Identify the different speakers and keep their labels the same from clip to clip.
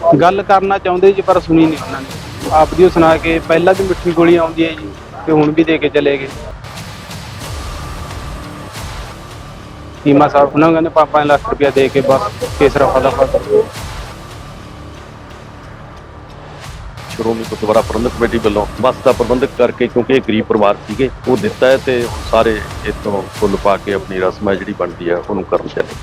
Speaker 1: ਗੱਲ ਕਰਨਾ ਚਾਹੁੰਦੇ ਜੀ ਪਰ ਸੁਣੀ ਨਹੀਂ ਉਹਨਾਂ ਨੇ। ਆਪਦੀ ਉਹ ਸੁਣਾ ਕੇ ਪਹਿਲਾਂ ਵੀ ਮਿੱਠੀ ਗੋਲੀ ਆਉਂਦੀ ਹੈ ਜੀ ਤੇ ਹੁਣ ਵੀ ਦੇ ਕੇ ਚਲੇ ਗਏ। ਚੀਮਾ ਸਾਹਿਬ ਉਹਨਾਂ ਨੂੰ ਕਹਿੰਦੇ 5 ਲੱਖ ਰੁਪਇਆ ਦੇ ਕੇ ਬਸ ਕੇਸ ਰਫਾ ਦਫਾ ਕਰੋ।
Speaker 2: ਸ਼੍ਰੋਮਣੀ ਗੁਰਦੁਆਰਾ ਪ੍ਰਬੰਧਕ ਕਮੇਟੀ ਵੱਲੋਂ ਬੱਸ ਦਾ ਪ੍ਰਬੰਧਕ ਕਰਕੇ, ਕਿਉਂਕਿ ਇਹ ਗਰੀਬ ਪਰਿਵਾਰ ਸੀਗੇ, ਉਹ ਦਿੱਤਾ ਹੈ ਤੇ ਹੁਣ ਸਾਰੇ ਇੱਥੋਂ ਫੁੱਲ ਪਾ ਕੇ ਆਪਣੀ ਰਸਮ ਹੈ ਜਿਹੜੀ ਬਣਦੀ ਹੈ ਉਹਨੂੰ ਕਰਨ ਚੱਲੇ।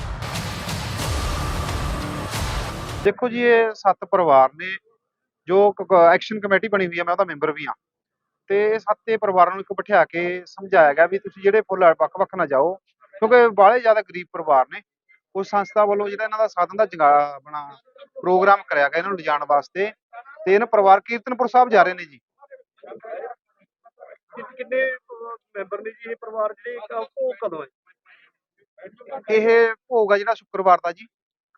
Speaker 3: ਦੇਖੋ ਜੀ, ਇਹ 7 ਪਰਿਵਾਰ ਨੇ ਜੋ ਐਕਸ਼ਨ ਕਮੇਟੀ ਬਣੀ ਹੋਈ ਹੈ, ਮੈਂ ਉਹਦਾ ਮੈਂਬਰ ਵੀ ਹਾਂ। ਤੇ ਇਹ 7 ਪਰਿਵਾਰਾਂ ਨੂੰ ਇੱਕ ਬਿਠਾ ਕੇ ਸਮਝਾਇਆ ਗਿਆ ਵੀ ਤੁਸੀਂ ਜਿਹੜੇ ਫੁੱਲ ਵੱਖ-ਵੱਖ ਨਾ ਜਾਓ, ਕਿਉਂਕਿ ਬਾਹਲੇ ਜ਼ਿਆਦਾ ਗਰੀਬ ਪਰਿਵਾਰ ਨੇ। ਉਸ ਸੰਸਥਾ ਵੱਲੋਂ ਜਿਹੜਾ ਇਹਨਾਂ ਦਾ ਸਾਧਨ ਦਾ ਆਪਣਾ ਪ੍ਰੋਗਰਾਮ ਕਰਿਆ ਗਿਆ ਇਹਨਾਂ ਨੂੰ ਲਿਜਾਣ ਵਾਸਤੇ, ਤੇ ਇਹਨਾਂ ਪਰਿਵਾਰ ਕੀਰਤਨਪੁਰ ਸਾਹਿਬ ਜਾ ਰਹੇ ਨੇ ਜੀ।
Speaker 4: ਕਿੰਨੇ ਮੈਂਬਰ ਨੇ ਜੀ ਇਹ ਪਰਿਵਾਰ ਜਿਹੜੇ ਉਹ ਕਦੋਂ ਹੈ?
Speaker 3: ਇਹ ਭੋਗ ਆ ਜਿਹੜਾ ਸ਼ੁੱਕਰਵਾਰ ਦਾ ਜੀ।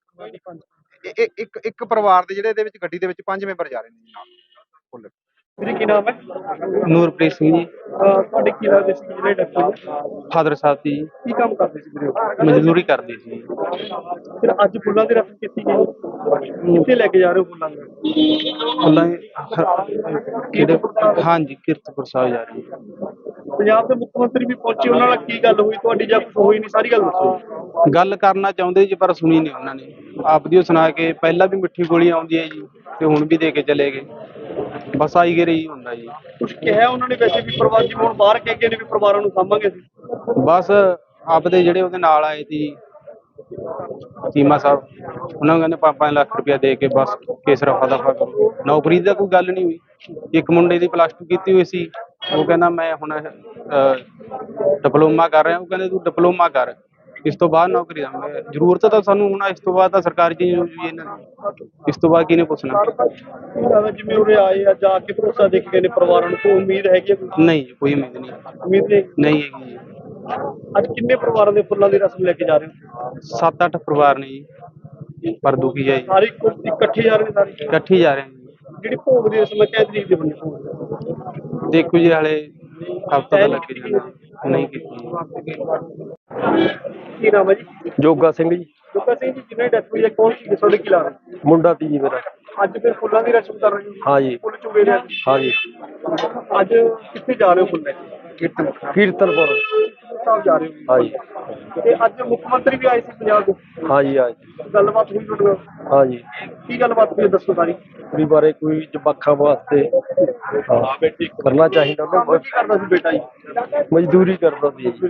Speaker 3: ਇੱਕ ਪਰਿਵਾਰ ਦੇ ਜਿਹੜੇ ਇਹਦੇ ਵਿੱਚ ਗੱਡੀ ਦੇ ਵਿੱਚ 5 ਮੈਂਬਰ ਜਾ ਰਹੇ ਨੇ ਜੀ ਨਾਲ ਫੁੱਲ।
Speaker 4: ਵੀਰੇ ਕੀ ਨਾਮ ਹੈ?
Speaker 1: ਨੂਰਪ੍ਰੀਤ ਸਿੰਘ ਜੀ।
Speaker 4: ਤੁਹਾਡੇ ਕੀ ਲੱਗਦੇ ਸੀ ਜਿਹੜੇ ਡਾਕਟਰ
Speaker 1: ਫਾਦਰ ਸਾਹਿਬ ਦੀ
Speaker 4: ਕੀ ਕੰਮ ਕਰਦੇ ਸੀ ਵੀਰੇ?
Speaker 1: ਮਜ਼ਦੂਰੀ ਕਰਦੇ ਸੀ।
Speaker 4: ਫਿਰ ਅੱਜ ਫੁੱਲਾਂ ਦੀ ਰਸਮ ਕੀਤੀ ਗਈ, ਕਿੱਥੇ ਲੈ ਕੇ ਜਾ ਰਹੇ ਹੋ ਫੁੱਲਾਂ ਨੂੰ?
Speaker 1: ਫੁੱਲਾਂ ਕਿਹੜੇ? ਹਾਂਜੀ, ਕੀਰਤਪੁਰ ਸਾਹਿਬ ਜਾ ਰਹੀ ਹੈ।
Speaker 4: ਪੰਜਾਬ ਦੇ ਮੁੱਖ ਮੰਤਰੀ ਵੀ ਪਹੁੰਚੇ, ਉਹਨਾਂ ਨਾਲ ਕੀ ਗੱਲ ਹੋਈ ਤੁਹਾਡੀ ਜਾਂ ਕੁਝ ਹੋਈ ਨਹੀਂ? ਸਾਰੀ ਗੱਲ ਦੱਸੋ।
Speaker 1: ਗੱਲ ਕਰਨਾ ਚਾਹੁੰਦੇ ਜੀ ਪਰ ਸੁਣੀ ਨਹੀਂ ਉਹਨਾਂ ਨੇ। ਆਪਦੀ ਉਹ ਸੁਣਾ ਕੇ ਪਹਿਲਾਂ ਵੀ ਮਿੱਠੀ ਗੋਲੀ ਆਉਂਦੀ ਹੈ ਜੀ ਤੇ ਹੁਣ ਵੀ ਦੇ ਕੇ ਚਲੇ ਗਏ। ਬਸ ਆਈ ਗਏ ਰਹੀ ਹੁੰਦਾ ਜੀ।
Speaker 4: ਕੁਝ ਕਿਹਾ ਉਹਨਾਂ ਨੇ ਵੈਸੇ ਵੀ ਪਰਿਵਾਰ ਜਿਵੇਂ ਹੁਣ ਬਾਹਰ ਕਹਿ ਗਏ ਨੇ ਵੀ ਪਰਿਵਾਰਾਂ ਨੂੰ ਸਾਂਭਾਂਗੇ ਅਸੀਂ?
Speaker 1: ਬਸ ਆਪਦੇ ਜਿਹੜੇ ਉਹਦੇ ਨਾਲ ਆਏ ਸੀ ਚੀਮਾ ਸਾਹਿਬ, ਉਹਨਾਂ ਨੂੰ ਕਹਿੰਦੇ 5 ਲੱਖ ਰੁਪਇਆ ਦੇ ਕੇ ਬਸ ਕੇਸ ਰਫਾ ਦਫਾ ਕਰੋ। ਨੌਕਰੀ ਦੀ ਤਾਂ ਕੋਈ ਗੱਲ ਨਹੀਂ ਹੋਈ। ਇੱਕ ਮੁੰਡੇ ਦੀ +2 ਕੀਤੀ ਹੋਈ ਸੀ, ਉਹ ਕਹਿੰਦਾ ਮੈਂ ਹੁਣ ਡਿਪਲੋਮਾ ਕਰ ਰਿਹਾ। ਉਹ ਕਹਿੰਦੇ ਤੂੰ ਡਿਪਲੋਮਾ ਕਰ, ਇਸ ਤੋਂ ਬਾਅਦ ਨੌਕਰੀ ਦਾ ਜ਼ਰੂਰਤ ਤਾਂ ਸਾਨੂੰ ਹੁਣ। ਇਸ ਤੋਂ ਬਾਅਦ ਤਾਂ ਸਰਕਾਰੀ ਚੀਜ਼ ਹੋ ਜੀ ਇਹਨਾਂ ਦੀ, ਇਸ ਤੋਂ ਬਾਅਦ ਕਿਹਨੇ ਪੁੱਛਣਾ?
Speaker 4: ਜਿਵੇਂ ਉਰੇ ਆਏ ਆ ਜਾ ਕੇ ਭਰੋਸਾ ਦੇ ਕੇ ਗਏ ਨੇ ਪਰਿਵਾਰਾਂ ਨੂੰ, ਕੋਈ ਉਮੀਦ ਹੈਗੀ ਹੈ?
Speaker 1: ਨਹੀਂ ਜੀ, ਕੋਈ ਉਮੀਦ ਨਹੀਂ।
Speaker 4: ਉਮੀਦ
Speaker 1: ਨਹੀਂ ਹੈਗੀ ਜੀ।
Speaker 4: ਅੱਜ ਕਿੰਨੇ ਪਰਿਵਾਰਾਂ ਦੇ ਫੁੱਲਾਂ ਦੀ ਰਸਮ ਲੈ ਕੇ ਜਾ ਰਹੇ ਹੋ?
Speaker 1: 7-8 ਪਰਿਵਾਰ ਨੇ ਜੀ, ਪਰ ਦੁਖੀ ਹੈ ਜੀ।
Speaker 4: ਸਾਰੇ ਇਕੱਠੇ ਜਾ ਰਹੇ ਨੇ? ਸਾਰੇ
Speaker 1: ਇਕੱਠੇ ਜਾ ਰਹੇ ਨੇ ਜੀ।
Speaker 4: ਜਿਹੜੀ ਭੋਗ ਦੀ ਰਸਮ ਹੈ ਕਿਹ ਤਰੀਕ ਦੇ ਬੰਦੇ ਭੋਗ?
Speaker 1: ਦੇਖੋ ਜੀ, ਹਾਲੇ ਹਫ਼ਤਾ ਤਾਂ ਲੱਗ ਜਾਣਾ। ਨਹੀਂ ਕੀਤੀ।
Speaker 4: ਕੀ ਨਾਮ ਹੈ ਜੀ?
Speaker 5: ਜੋਗਾ ਸਿੰਘ ਜੀ।
Speaker 4: ਜੋਗਾ ਸਿੰਘ ਜੀ, ਜਿਹਨੇ ਡੈਥ ਹੋਈ ਹੈ ਕੌਣ ਸੀ ਤੁਹਾਡੇ? ਕੀ ਲਾ
Speaker 5: ਮੁੰਡਾ ਤੀ ਜੀ ਮੇਰਾ।
Speaker 4: ਅੱਜ ਫਿਰ ਫੁੱਲਾਂ ਦੀ ਰਸਮ ਕਰ ਰਹੇ ਹੋ?
Speaker 5: ਹਾਂ ਜੀ।
Speaker 4: ਫੁੱਲ ਚੁਗੇ ਨੇ
Speaker 5: ਹਾਂ ਜੀ।
Speaker 4: ਅੱਜ ਕਿੱਥੇ ਜਾ ਰਹੇ ਹੋ ਫੁੱਲ ਲੈ ਕੇ?
Speaker 5: ਕੀਰਤਨਪੁਰ।
Speaker 4: ਸਾਹਿਬ ਜਾ ਰਹੇ ਹੋ?
Speaker 5: ਹਾਂ ਜੀ।
Speaker 4: ਤੇ ਅੱਜ ਮੁੱਖ ਮੰਤਰੀ ਵੀ ਆਏ ਸੀ ਪੰਜਾਬ ਦੇ?
Speaker 5: ਹਾਂ ਜੀ। ਹਾਂ ਜੀ।
Speaker 4: ਗੱਲਬਾਤ ਹੋਈ ਤੁਹਾਡੇ ਨਾਲ?
Speaker 5: ਹਾਂ ਜੀ।
Speaker 4: ਕੀ ਗੱਲਬਾਤ ਹੋਈ ਦੱਸੋ ਸਾਰੀ।
Speaker 5: ਵੀ ਬਾਰੇ ਕੋਈ ਜਵਾਕਾਂ ਵਾਸਤੇ ਕਰਨਾ ਚਾਹੀਦਾ ਉਹਨਾਂ ਨੂੰ।
Speaker 4: ਕੀ ਕਰਦਾ ਸੀ ਬੇਟਾ ਜੀ?
Speaker 5: ਮਜ਼ਦੂਰੀ ਕਰਦਾ ਸੀ ਜੀ।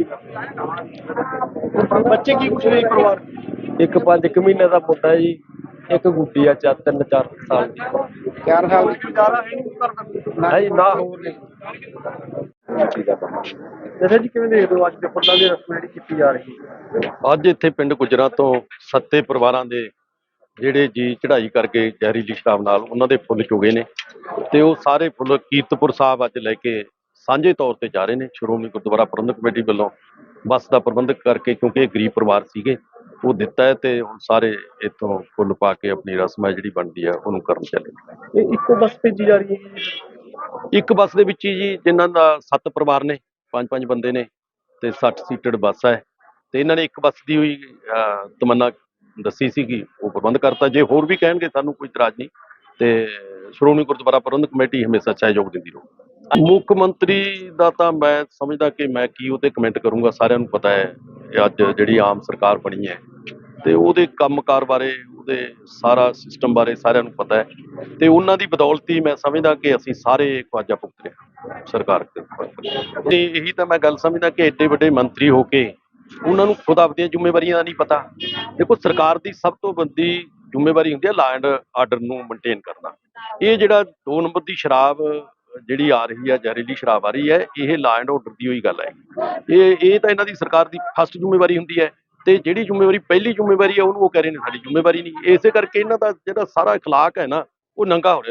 Speaker 4: ਬੱਚੇ ਕੀ ਕੁਛ ਨੇ ਪਰਿਵਾਰ?
Speaker 5: ਇੱਕ 5 ਮਹੀਨੇ ਦਾ ਮੁੰਡਾ ਜੀ, ਇੱਕ ਗੁੱਡੀ ਆ 3-4 ਸਾਲ ਦੀ।
Speaker 3: 4 ਸਾਲ ਦੀ।
Speaker 4: ਗੁਜ਼ਾਰਾ ਹੈ ਨਹੀਂ ਕਰਦਾ?
Speaker 5: ਹੈ ਜੀ, ਨਾ ਹੋਰ ਨਹੀਂ।
Speaker 4: ਦੱਸੋ ਜੀ, ਕਿਵੇਂ ਦੇਖਦੇ ਹੋ ਅੱਜ ਦੇ ਫੁੱਲਾਂ ਦੀ ਰਸਮ ਜਿਹੜੀ ਕੀਤੀ ਜਾ ਰਹੀ ਹੈ?
Speaker 2: ਅੱਜ ਇੱਥੇ ਪਿੰਡ ਗੁਜਰਾ ਤੋਂ 7 ਪਰਿਵਾਰਾਂ ਦੇ ਜਿਹੜੇ ਜੀ ਚੜ੍ਹਾਈ ਕਰਕੇ ਜ਼ਹਿਰੀਲੀ ਸ਼ਰਾਬ ਨਾਲ ਉਹਨਾਂ ਦੇ ਫੁੱਲ ਚੁਗੇ ਨੇ, ਤੇ ਉਹ ਸਾਰੇ ਫੁੱਲ ਕੀਰਤਪੁਰ ਸਾਹਿਬ ਅੱਜ ਲੈ ਕੇ ਸਾਂਝੇ ਤੌਰ ਤੇ ਜਾ ਰਹੇ ਨੇ। ਸ਼੍ਰੋਮਣੀ ਗੁਰਦੁਆਰਾ ਪ੍ਰਬੰਧਕ ਕਮੇਟੀ ਵੱਲੋਂ ਬੱਸ ਦਾ ਪ੍ਰਬੰਧਕ ਕਰਕੇ, ਕਿਉਂਕਿ ਇਹ ਗਰੀਬ ਪਰਿਵਾਰ ਸੀਗੇ, ਉਹ ਦਿੱਤਾ ਹੈ ਤੇ ਹੁਣ ਸਾਰੇ ਇੱਥੋਂ ਫੁੱਲ ਪਾ ਕੇ ਆਪਣੀ ਰਸਮ ਹੈ ਜਿਹੜੀ ਬਣਦੀ ਹੈ ਉਹਨੂੰ ਕਰਨ ਚੱਲੇ।
Speaker 4: ਇਹ ਇੱਕੋ ਬੱਸ ਭੇਜੀ ਜਾ ਰਹੀ ਹੈ ਜੀ?
Speaker 2: ਇੱਕ ਬੱਸ ਦੇ ਵਿੱਚ ਹੀ ਜੀ, ਜਿਨ੍ਹਾਂ ਦਾ 7 ਪਰਿਵਾਰ ਨੇ, 5-5 ਬੰਦੇ ਨੇ ਤੇ 60 ਸੀਟਡ ਬੱਸ ਹੈ, ਤੇ ਇਹਨਾਂ ਨੇ ਇੱਕ ਬੱਸ ਦੀ ਹੋਈ ਤਮੰਨਾ ਦੱਸੀ ਸੀਗੀ, ਉਹ ਪ੍ਰਬੰਧ ਕਰਤਾ। ਜੇ ਹੋਰ ਵੀ ਕਹਿਣਗੇ ਸਾਨੂੰ ਕੋਈ ਇਤਰਾਜ਼ ਨਹੀਂ, ਤੇ ਸ਼੍ਰੋਮਣੀ ਗੁਰਦੁਆਰਾ ਪ੍ਰਬੰਧਕ ਕਮੇਟੀ ਹਮੇਸ਼ਾ ਸਹਿਯੋਗ ਦਿੰਦੀ ਰਹੂ। ਮੁੱਖ ਮੰਤਰੀ ਦਾ ਤਾਂ ਮੈਂ ਸਮਝਦਾ ਕਿ ਮੈਂ ਕੀ ਉਹ 'ਤੇ ਕਮੈਂਟ ਕਰੂੰਗਾ। ਸਾਰਿਆਂ ਨੂੰ ਪਤਾ ਹੈ ਅੱਜ ਜਿਹੜੀ ਆਮ ਸਰਕਾਰ ਬਣੀ ਹੈ ਤੇ ਉਹਦੇ ਕੰਮਕਾਰ ਬਾਰੇ, ਉਹਦੇ ਸਾਰਾ ਸਿਸਟਮ ਬਾਰੇ ਸਾਰਿਆਂ ਨੂੰ ਪਤਾ ਹੈ, ਤੇ ਉਹਨਾਂ ਦੀ ਬਦੌਲਤ ਹੀ ਮੈਂ ਸਮਝਦਾ ਕਿ ਅਸੀਂ ਸਾਰੇ ਖਵਾਜਾ ਭੁਗਤ ਰਹੇ ਸਰਕਾਰ ਤੇ ਇਹੀ ਤਾਂ ਮੈਂ ਗੱਲ ਸਮਝਦਾ ਕਿ ਐਡੇ ਵੱਡੇ ਮੰਤਰੀ ਹੋ ਕੇ ਉਹਨਾਂ ਨੂੰ ਖੁਦ ਆਪਦੀਆਂ ਜ਼ਿੰਮੇਵਾਰੀਆਂ ਦਾ ਨਹੀਂ ਪਤਾ। ਦੇਖੋ, ਸਰਕਾਰ ਦੀ ਸਭ ਤੋਂ ਵੱਡੀ ਜ਼ਿੰਮੇਵਾਰੀ ਹੁੰਦੀ ਹੈ ਲਾ ਐਂਡ ਆਰਡਰ ਨੂੰ ਮੇਨਟੇਨ ਕਰਨਾ। ਇਹ ਜਿਹੜਾ 2 ਨੰਬਰ ਦੀ ਸ਼ਰਾਬ ਜਿਹੜੀ ਆ ਰਹੀ ਹੈ, ਜ਼ਹਿਰੀਲੀ ਸ਼ਰਾਬ ਆ ਰਹੀ ਹੈ, ਇਹ ਲਾ ਐਂਡ ਆਰਡਰ ਦੀ ਹੋਈ ਗੱਲ ਹੈ। ਇਹ ਤਾਂ ਇਹਨਾਂ ਦੀ ਸਰਕਾਰ ਦੀ ਫਸਟ ਜ਼ਿੰਮੇਵਾਰੀ ਹੁੰਦੀ ਹੈ, ਤੇ ਜਿਹੜੀ ਜ਼ਿੰਮੇਵਾਰੀ ਪਹਿਲੀ ਜ਼ਿੰਮੇਵਾਰੀ ਹੈ ਉਹਨੂੰ ਉਹ ਕਹਿ ਰਹੇ ਨੇ ਸਾਡੀ ਜ਼ਿੰਮੇਵਾਰੀ ਨਹੀਂ। ਇਸੇ ਕਰਕੇ ਇਹਨਾਂ ਦਾ ਜਿਹੜਾ ਸਾਰਾ ਇਖਲਾਕ ਹੈ ਨਾ, ਉਹ ਨੰਗਾ ਹੋ ਰਿਹਾ।